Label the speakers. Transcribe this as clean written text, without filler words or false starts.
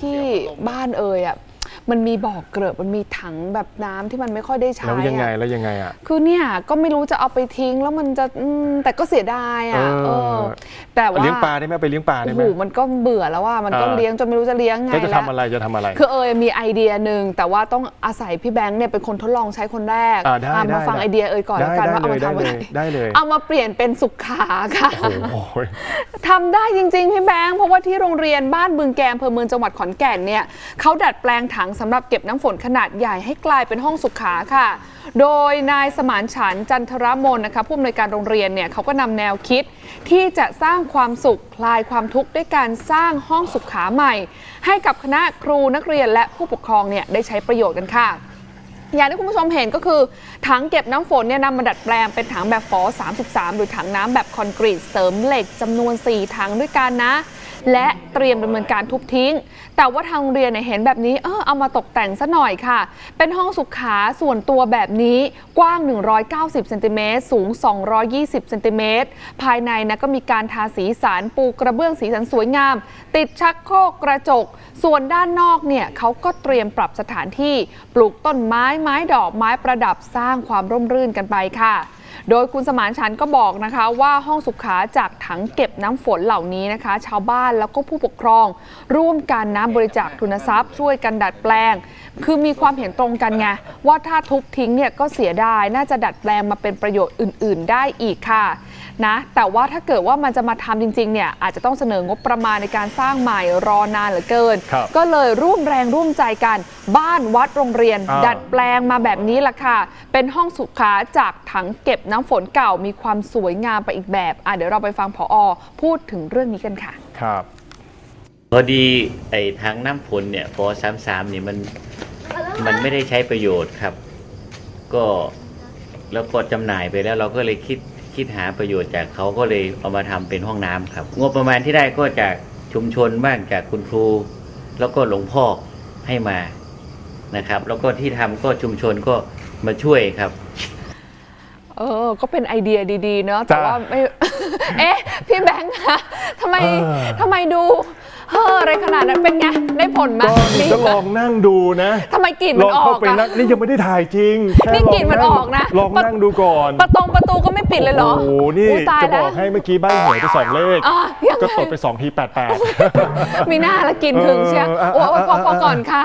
Speaker 1: ที่บ้านอ่ะมันมีบ่อเกลอะมันมีถังแบบน้ำที่มันไม่ค่อยได้ใช้
Speaker 2: แล้วยังไงอ่ะ
Speaker 1: คือเนี่ยก็ไม่รู้จะเอาไปทิ้งแล้วมันจะแต่ก็เสียดายอ่ะแต่ว่า
Speaker 2: เลี้ยงปลาได้ไหมไปเลี้ยงปลาได้ไหม
Speaker 1: มันก็เบื่อแล้วว่ามันก็เลี้ยงจนไม่รู้จะเลี้ยงไงแล้ว
Speaker 2: จะทำอะไร
Speaker 1: คือมีไอเดียหนึ่งแต่ว่าต้องอาศัยพี่แบงค์เนี่ยเป็นคนทดลองใช้คนแรกมาฟังไอเดียก่อนแล้วกันว่าเอามาทำอะไร
Speaker 2: ได้เลย
Speaker 1: เอามาเปลี่ยนเป็นสุขาค่ะทำได้จริงๆพี่แบงค์เพราะว่าที่โรงเรียนบ้านบึงแกมอำเภอเมืองจังหวัดขอนแก่นเนี่ยเขาดัดแปลงถังสำหรับเก็บน้ำฝนขนาดใหญ่ให้กลายเป็นห้องสุขาค่ะโดยนายสมานฉันท์จันทรมนนะคะผู้อำนวยการโรงเรียนเนี่ยเขาก็นำแนวคิดที่จะสร้างความสุขคลายความทุกข์ด้วยการสร้างห้องสุขาใหม่ให้กับคณะครูนักเรียนและผู้ปกครองเนี่ยได้ใช้ประโยชน์กันค่ะอย่างที่คุณผู้ชมเห็นก็คือถังเก็บน้ำฝนเนี่ยนำมาดัดแปลงเป็นถังแบบฝอ33หรือถังน้ำแบบคอนกรีตเสริมเหล็กจำนวน4ถังด้วยกันนะและเตรียมดำเนินการทุบทิ้งแต่ว่าทางโรงเรียนเห็นแบบนี้เอามาตกแต่งซะหน่อยค่ะเป็นห้องสุขาส่วนตัวแบบนี้กว้าง190เซนติเมตรสูง220เซนติเมตรภายในนะก็มีการทาสีสันปูกระเบื้องสีสันสวยงามติดชักโครกกระจกส่วนด้านนอกเนี่ยเขาก็เตรียมปรับสถานที่ปลูกต้นไม้ดอกไม้ประดับสร้างความร่มรื่นกันไปค่ะโดยคุณสมานฉันท์ก็บอกนะคะว่าห้องสุขาจากถังเก็บน้ำฝนเหล่านี้นะคะชาวบ้านแล้วก็ผู้ปกครองร่วมกันนะบริจาคทุนทรัพย์ช่วยกันดัดแปลงคือมีความเห็นตรงกันไงว่าถ้าทุบทิ้งเนี่ยก็เสียดายน่าจะดัดแปลงมาเป็นประโยชน์อื่นๆได้อีกค่ะนะแต่ว่าถ้าเกิดว่ามันจะมาทำจริงๆเนี่ยอาจจะต้องเสนองบประมาณในการสร้างใหม่รอนานเหลือเกินก็เลยร่วมแรงร่วมใจกันบ้านวัดโรงเรียนดัดแปลงมาแบบนี้ล่ะค่ะเป็นห้องสุขาจากถังเก็บน้ำฝนเก่ามีความสวยงามไปอีกแบบเดี๋ยวเราไปฟังผอ.พูดถึงเรื่องนี้กันค่ะ
Speaker 2: ครับ
Speaker 3: พอดีไอ้ถังน้ำฝนเนี่ยฟอ33นี่มันไม่ได้ใช้ประโยชน์ครับก็แล้วก็จำหน่ายไปแล้วเราก็เลยคิดหาประโยชน์จากเขาก็เลยเอามาทำเป็นห้องน้ำครับงบประมาณที่ได้ก็จากชุมชนบ้างจากคุณครูแล้วก็หลวงพ่อให้มานะครับแล้วก็ที่ทำก็ชุมชนก็มาช่วยครับ
Speaker 1: ก็เป็นไอเดียดีๆเนาะแต่ว่าไม่ พี่แบงค์คะทำไมดูอะไรขนาดนั้นเป็นไงได้ผลไหม
Speaker 2: ก็ลองนั่งดูนะ
Speaker 1: ทำไมกลิ่นมันออก
Speaker 2: อะนี่ยังไม่ได้ถ่ายจริง
Speaker 1: นี่กลิ่นมันออกนะ
Speaker 2: ลองนั่งดูก่อน
Speaker 1: ประตูก็ไม่ปิดเลยเหรอ
Speaker 2: โอ้โหนี่จะบอกให้เมื่อกี้ใบ้หวยไป2 เลขก็ตดไป2 ที88
Speaker 1: มีหน้าละกลิ่นถึงเชียวพอก่อนค่ะ